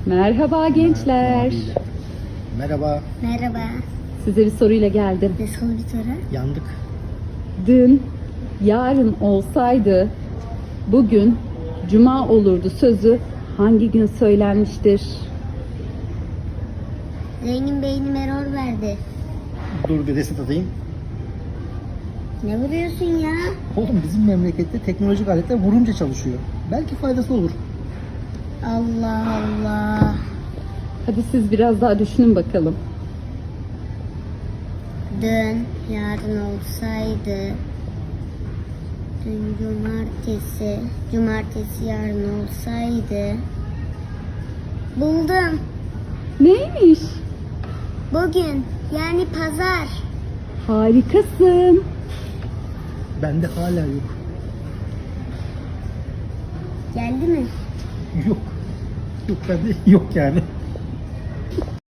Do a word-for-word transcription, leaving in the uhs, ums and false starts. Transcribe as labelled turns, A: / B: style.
A: Merhaba gençler.
B: Merhaba.
C: Merhaba.
A: Size bir soruyla geldim.
C: Nasıl bir soru?
B: Yandık.
A: Dün yarın olsaydı bugün cuma olurdu sözü hangi gün söylenmiştir?
C: Zengin beynim error verdi.
B: Dur bir reset atayım.
C: Ne vuruyorsun ya?
B: Oğlum bizim memlekette teknolojik aletler vurunca çalışıyor. Belki faydası olur.
C: Allah Allah.
A: Hadi siz biraz daha düşünün bakalım.
C: Dün yarın olsaydı. Dün cumartesi. Cumartesi yarın olsaydı. Buldum.
A: Neymiş?
C: Bugün yani pazar.
A: Harikasın.
B: Bende hala yok.
C: Geldi mi?
B: Yok. Yok bende yok yani.